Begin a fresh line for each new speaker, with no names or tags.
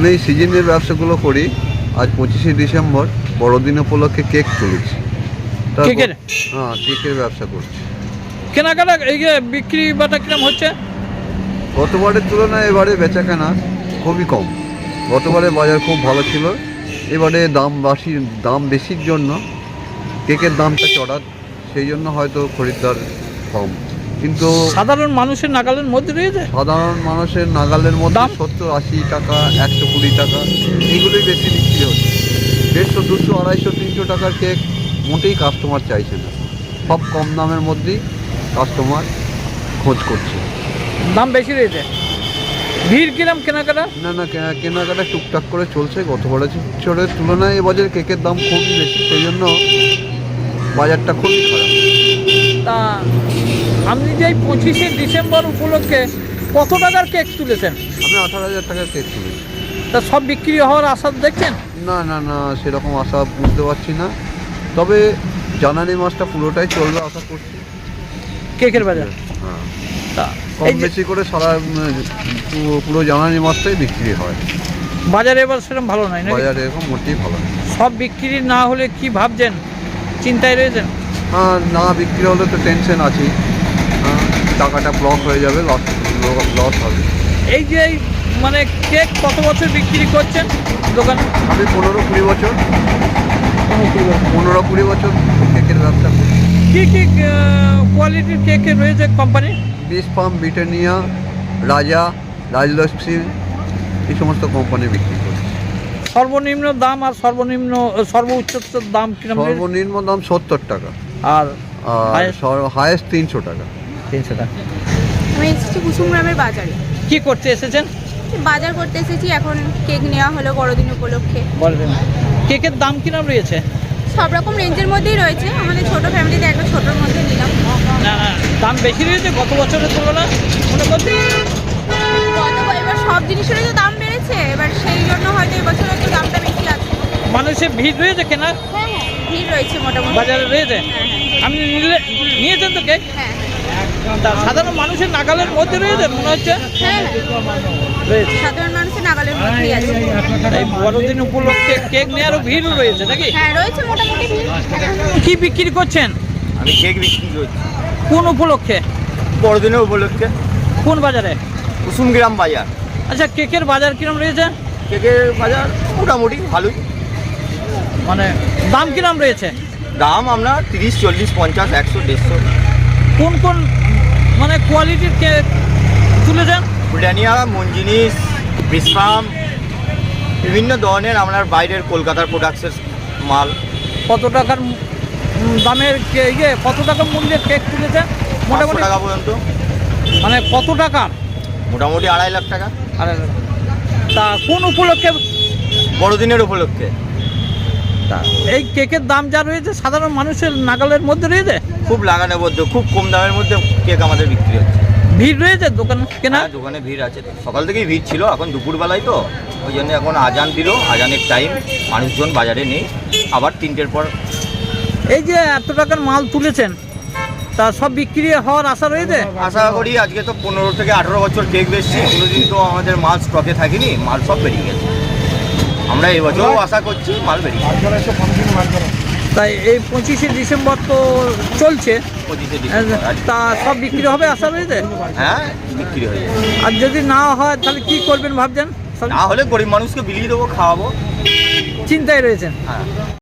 আমি এই সিজনের ব্যবসাগুলো করি। আজ 25শে ডিসেম্বর বড়দিন উপলক্ষে কেক তুলেছি।
কেকের?
হ্যাঁ, কেকের ব্যবসা করছি।
কেনাকাটা এই যে বিক্রি বাটা কিরম হচ্ছে?
গতবারের তুলনায় এবারে বেচাকেনা খুবই কম। গতবারে বাজার খুব ভালো ছিল, এবারে দাম বেশির জন্য কেকের দামটা চড়া, সেই জন্য হয়তো খরিদ্দার কম। কিন্তু
সাধারণ মানুষের নাগালের মধ্যে রয়েছে?
সাধারণ মানুষের নাগালের মধ্যে
দাম?
70-80 টাকা, 120 টাকা, এইগুলোই বেশি বিক্রি হচ্ছে। 150, 200, 250, 300 টাকার কেক মোটেই কাস্টমার চাইছে না। সব কম দামের মধ্যেই কাস্টমার খোঁজ করছে।
দাম বেশি রয়েছে? ভিড় কিরম কেনাকাটা?
না, কেনাকাটা টুকটাক করে চলছে। গতবারের তুলনায় এবছর কেকের দাম খুবই বেশি, সেই জন্য বাজারটা খুবই খারাপ।
তা আপনি যে 25শে ডিসেম্বর উপলক্ষে কত টাকার কেক তুলেছেন?
আমি 18,000 টাকার কেক তুলেছি।
তা সব বিক্রি হওয়ার আশা দেখছেন?
না, সেরকম আশা বুঝতে পারছি না। তবে জানুয়ারি মাসটা পুরোটাই চলবে আশা করছি
কেকের বাজার?
হ্যাঁ,
তা
কম
এই যে
বেশি করে পুরো জানুয়ারি মাসটাই বিক্রি হয়।
বাজারে এবার সেরকম ভালো নয় নাকি?
বাজারে এরকম মোটেই ভালো না।
সব বিক্রি না হলে কি ভাবছেন, চিন্তায় রয়েছেন?
হ্যাঁ, না বিক্রি হলে তো টেনশন আছেই। টাকাটা ব্লক হয়ে যাবে, লস হবে।
এই যে মানে কেক কত বছর বিক্রি করছেন দোকানে?
আমি 15-20 বছর 15-20 বছর কেকের ব্যবসা করি।
কী কী কোয়ালিটির কেক রয়েছে কোম্পানি?
বিস ফার্ম, ব্রিটানিয়া, রাজলক্ষ্মী, এই সমস্ত কোম্পানি বিক্রি করি।
সর্বনিম্ন দাম আর সর্বোচ্চ দাম কিরকম?
সর্বনিম্ন দাম 70 টাকা
আর
হায়েস্ট 300 টাকা।
300 টাকা।
আমি এসেছি কুসুমগ্রামের বাজারে।
কি করতে এসেছেন?
বাজার করতে এসেছি, এখন কেক নেওয়া হলো বড়দিন উপলক্ষে।
বলবেন কেকের দাম কিরকম রয়েছে?
সব রকম রেঞ্জের মধ্যেই রয়েছে, আমাদের ছোট ফ্যামিলিতে একটা ছোটোর মধ্যে নিলাম।
না, দাম বেশি রয়েছে গত বছরের তুলনায় মনে করছি?
এবার সব জিনিসেরই তো দাম বেড়েছে, এবার সেই জন্য হয়তো এবছর একটু দামটা বেশি আছে।
মানুষের ভিড় রয়েছে কেনার?
হ্যাঁ, ভিড় রয়েছে মোটামুটি।
বাজারে রয়েছে? আপনি নিয়েছেন তো কেক?
হ্যাঁ,
তা সাধারণ মানুষের নাগালের মধ্যে রয়েছে মনে হচ্ছে?
হ্যাঁ,
রয়েছে।
সাধারণ মানুষের নাগালের মধ্যেই আছে।
এই বড়দিন উপলক্ষে কেক নেওয়ারও ভিড় রয়েছে নাকি?
হ্যাঁ, রয়েছে মোটামুটি ভিড়।
কি বিক্রি করছেন?
আমি কেক বিক্রি করছি
কোন উপলক্ষে?
বড়দিনের উপলক্ষে।
কোন বাজারে?
কুসুমগ্রাম বাজার।
আচ্ছা, কেকের বাজার কিরম রয়েছে?
কেকের বাজার মোটামুটি ভালোই।
মানে দাম কিরম রয়েছে?
দাম আপনার 30, 40, 50, 100, 150।
কোন মানে কোয়ালিটির কেক তুলেছেন?
ব্রিটানিয়া, মঞ্জিনিস, বিসফার্ম, বিভিন্ন ধরনের আপনার বাইরের কলকাতার প্রোডাক্টসের মাল।
কত টাকার দামের কত টাকা মূল্যের কেক তুলেছেন
500
মোটামুটি?
টাকা পর্যন্ত।
মানে কত টাকা?
মোটামুটি 2.5 লাখ টাকা।
আরে, তা কোন উপলক্ষে?
বড়দিনের উপলক্ষে।
তা এই কেকের দাম যা রয়েছে সাধারণ মানুষের নাগালের মধ্যে রয়েছে?
খুব লাগানোর মধ্যে, খুব কম দামের মধ্যে কেক আমাদের বিক্রি হচ্ছে।
ভিড় রয়েছে দোকান কেনা?
হ্যাঁ, দোকানে ভিড় আছে। সকাল থেকেই ভিড় ছিল, এখন দুপুরবেলায় তো ওই জন্য এখন আজান দিল, আজানের টাইম, মানুষজন বাজারে নেই। আবার 3টের পর।
এই যে এত টাকার মাল তুলেছেন, তা সব বিক্রি হওয়ার আশা রয়েছে?
আশা করি আজকে তো 15 থেকে 18 বছর কেক বেচছি, কোনোদিন তো আমাদের মাল স্টকে থাকেনি, মাল সব বেরিয়ে গেছে। আমরা এবছরও আশা করছি মাল বেরিয়ে গেছে।
তাই এই 25শে ডিসেম্বর তো চলছে,
25শে ডিসেম্বর আজকে।
তা সব বিক্রি হবে আশা রয়েছে?
হ্যাঁ, বিক্রি হয়ে যাবে।
আর যদি না হয় তাহলে কি করবেন ভাবছেন?
না হলে গরিব মানুষকে বিলিয়ে দেবো, খাওয়াবো।
চিন্তায় রয়েছেন?
হ্যাঁ।